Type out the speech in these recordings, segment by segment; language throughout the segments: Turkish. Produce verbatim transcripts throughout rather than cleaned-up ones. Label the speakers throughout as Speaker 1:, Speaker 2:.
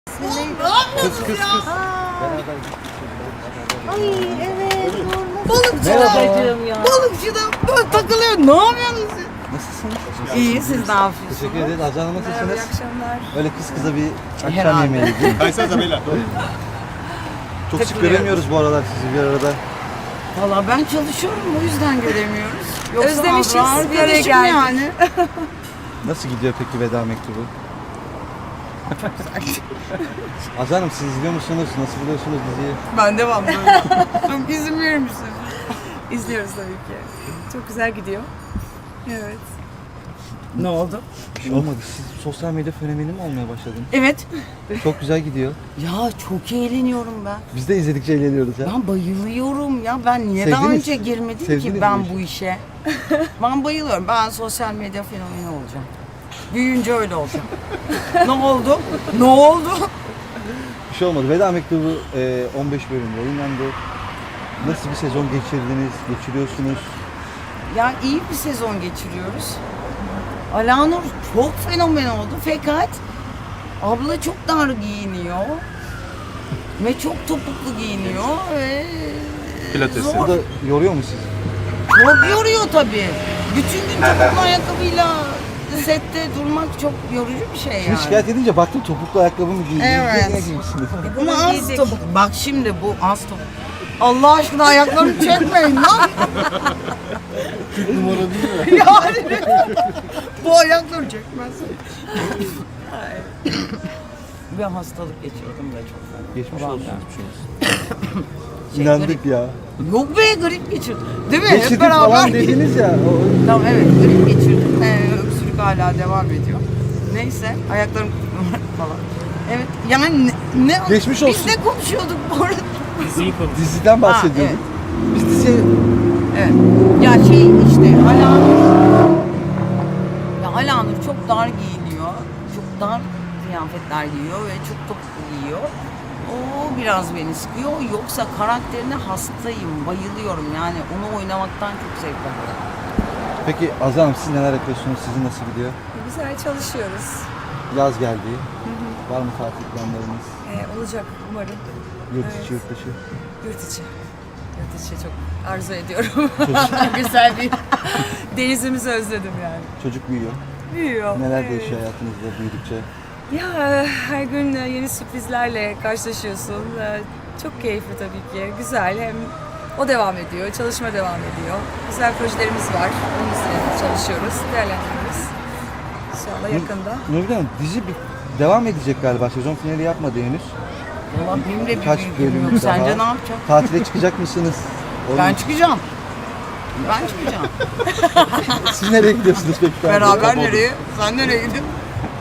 Speaker 1: Kız kız kız. Beraber
Speaker 2: Ay evet.
Speaker 1: Merhaba.
Speaker 2: Balıkçı ya. Balıkçı da böyle takılıyor. Ne yapıyorsunuz siz?
Speaker 1: Nasılsınız?
Speaker 2: İyi, siz ne yapıyorsunuz?
Speaker 1: Teşekkür ederiz. Azan Hanım nasılsınız?
Speaker 3: İyi akşamlar.
Speaker 1: Öyle kız kıza bir akşam
Speaker 2: Herhalde.
Speaker 1: yemeği gibi.
Speaker 4: Kaysanıza beyler.
Speaker 1: Çok sık
Speaker 2: Takılıyoruz.
Speaker 1: göremiyoruz bu aralar sizi bir arada.
Speaker 2: Valla ben çalışıyorum, o yüzden göremiyoruz. Yoksa
Speaker 3: Özlemişiz,
Speaker 2: Azra
Speaker 3: bir araya
Speaker 2: arkadaşım
Speaker 3: geldik.
Speaker 2: yani.
Speaker 1: Nasıl gidiyor peki veda mektubu? Azan Hanım siz izliyor musunuz? Nasıl buluyorsunuz diziyi?
Speaker 2: Ben devam böyle. Çok izin verir misiniz?
Speaker 3: İzliyoruz tabii ki. Çok güzel gidiyor. Evet.
Speaker 2: Ne oldu?
Speaker 1: Bir şey olmadı. Siz sosyal medya fenomeni mi olmaya başladınız?
Speaker 2: Evet.
Speaker 1: Çok güzel gidiyor.
Speaker 2: Ya çok eğleniyorum ben.
Speaker 1: Biz de izledikçe eğleniyoruz ya.
Speaker 2: Ben bayılıyorum ya. Ben niye daha
Speaker 1: Sevdiniz-
Speaker 2: önce girmedim
Speaker 1: sevdiniz
Speaker 2: ki ben
Speaker 1: bu işi.
Speaker 2: bu işe? Ben bayılıyorum. Ben sosyal medya fenomeni olacağım. Büyüyünce öyle olacağım. Ne oldu? Ne oldu?
Speaker 1: Bir şey olmadı. Veda mektubu e, on beş bölüm yayınlandı. Nasıl bir sezon geçirdiniz, geçiriyorsunuz?
Speaker 2: Ya iyi bir sezon geçiriyoruz. Alanur çok fenomen oldu fakat abla çok dar giyiniyor. Ve çok topuklu giyiniyor ve
Speaker 4: Pilates.
Speaker 2: zor.
Speaker 1: Bu da yoruyor mu sizi?
Speaker 2: Çok yoruyor tabii. Bütün gün topuklu ayakkabıyla sette durmak çok yorucu bir şey yani.
Speaker 1: Şimdi şikayet edince baktım topuklu ayakkabı mı giydiniz?
Speaker 2: Evet.
Speaker 1: Ne giymişsiniz?
Speaker 2: Ama az topuk. Bak şimdi bu az topuk. Allah aşkına ayaklarımı çekmeyin lan.
Speaker 1: Numara değil mi?
Speaker 2: Yani bu ayakları çekmez. Bir hastalık geçirdim de çok fena.
Speaker 1: Geçmiş
Speaker 2: Vallahi.
Speaker 1: olsun.
Speaker 2: Şey,
Speaker 1: İnandık ya.
Speaker 2: Yok be grip geçirdim. Değil mi?
Speaker 1: Geçirdik
Speaker 2: Hep beraber.
Speaker 1: falan dediniz ya. O-
Speaker 2: Tamam evet grip geçirdim. Ee, öksürük hala devam ediyor. Neyse ayaklarım falan. Evet yani ne, ne
Speaker 1: Geçmiş
Speaker 2: biz
Speaker 1: olsun.
Speaker 2: ne konuşuyorduk bu arada?
Speaker 1: Diziden bahsediyorduk.
Speaker 2: Ha,
Speaker 1: Biz diziye
Speaker 2: Evet. Ya şey işte Alanur ya Alanur çok dar giyiniyor. Çok dar kıyafetler giyiyor ve çok topuklu giyiyor. O biraz beni sıkıyor. Yoksa karakterine hastayım, bayılıyorum. Yani onu oynamaktan çok zevk alıyorum.
Speaker 1: Peki Azam Hanım siz neler yapıyorsunuz? Sizin nasıl gidiyor?
Speaker 3: Güzel çalışıyoruz.
Speaker 1: Yaz geldi. Var mı tatil planlarınız?
Speaker 3: Ee, olacak umarım.
Speaker 1: Yurt
Speaker 3: Evet.
Speaker 1: içi, yurt dışı.
Speaker 3: Yurt içi. Yurt içi çok arzu ediyorum.
Speaker 2: Güzel bir
Speaker 3: Denizimizi özledim yani.
Speaker 1: Çocuk büyüyor.
Speaker 3: Büyüyor.
Speaker 1: Neler
Speaker 3: Evet.
Speaker 1: değişiyor hayatınızda büyüdükçe?
Speaker 3: Ya her gün yeni sürprizlerle karşılaşıyorsun. Ee, Çok keyifli tabii ki. Güzel. Hem o devam ediyor, çalışma devam ediyor. Güzel projelerimiz var. Onun üstüne çalışıyoruz, değerlendiriyoruz. İnşallah yakında.
Speaker 1: Nurgül Hanım dizi bir devam edecek galiba. Sezon finali yapmadı henüz.
Speaker 2: Valla benim de bir
Speaker 1: Kaç
Speaker 2: bilgim
Speaker 1: bölüm
Speaker 2: yok.
Speaker 1: daha?
Speaker 2: Sence ne yapacağım?
Speaker 1: Tatile çıkacak mısınız?
Speaker 2: Ben
Speaker 1: Onun-
Speaker 2: çıkacağım. Ben çıkacağım.
Speaker 1: Siz nereye gidiyorsunuz peki?
Speaker 2: Beraber nereye? Sen nereye gidiyorsun?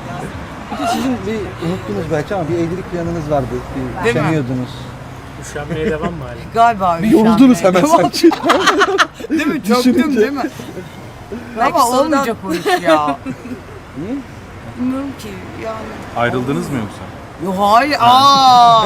Speaker 1: Sizin bir unuttunuz belki ama bir evlilik planınız vardı. Bir
Speaker 2: Değil mi?
Speaker 1: üşeniyordunuz.
Speaker 5: Üşenmeye devam mı hala?
Speaker 2: Galiba
Speaker 1: Bir yoruldunuz hemen
Speaker 2: üşenmeye
Speaker 1: sanki.
Speaker 2: devam. Değil mi? Çöktüm
Speaker 1: Düşününce.
Speaker 2: değil mi?
Speaker 3: Belki
Speaker 2: Ama
Speaker 3: sonradan-
Speaker 2: olmayacak o iş ya.
Speaker 1: Niye?
Speaker 2: Bilmiyorum ki yani.
Speaker 4: Ayrıldınız mı yoksa?
Speaker 2: Yok hayır. Aa.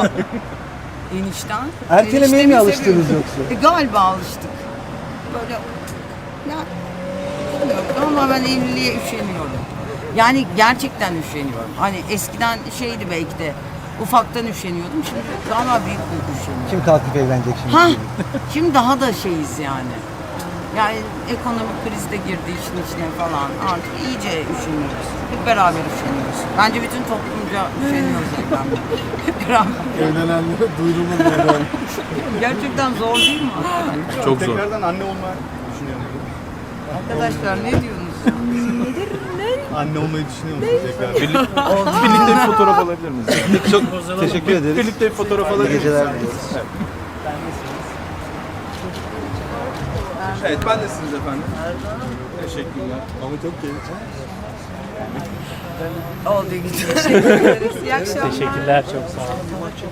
Speaker 2: Enişten.
Speaker 1: Ertelemeye
Speaker 2: Eniştemi
Speaker 1: mi alıştınız
Speaker 2: seviyorum.
Speaker 1: yoksa?
Speaker 2: E, galiba alıştık. Böyle ya bilmiyorum ama ben evliliğe üşeniyorum. Yani gerçekten üşeniyorum. Hani eskiden şeydi belki de ufaktan üşeniyordum. Şimdi galiba büyük büyük üşeniyorum.
Speaker 1: Kim kalkıp evlenecek şimdi?
Speaker 2: Ha, şimdi daha da şeyiz yani. Yani ekonomik kriz de girdi işin içine falan. Artık iyice üşeniyoruz. Hep beraber üşeniyoruz. Bence bütün toplumca üşeniyoruz evlenmeye. Hep beraber.
Speaker 4: Evlenenlere duyurulur yani.
Speaker 2: Gerçekten zor değil mi?
Speaker 4: Çok zor.
Speaker 6: Tekrardan anne olmayı düşünüyor musun?
Speaker 2: Arkadaşlar ne diyorsunuz?
Speaker 6: Anne olmayı düşünüyor musun tekrar?
Speaker 4: Birlikte bir fotoğraf alabilir miyiz?
Speaker 1: Peki çok teşekkür ederiz.
Speaker 4: Birlikte bir fotoğraf
Speaker 1: İyi
Speaker 4: alabilir miyiz?
Speaker 1: geceler diliyoruz.
Speaker 6: Evet ben de siz efendim. Teşekkürler. Ama çok keyifli.
Speaker 2: Oldu gidiyor.
Speaker 3: Teşekkür ederiz. İyi akşamlar.
Speaker 5: Teşekkürler çok sağ olun.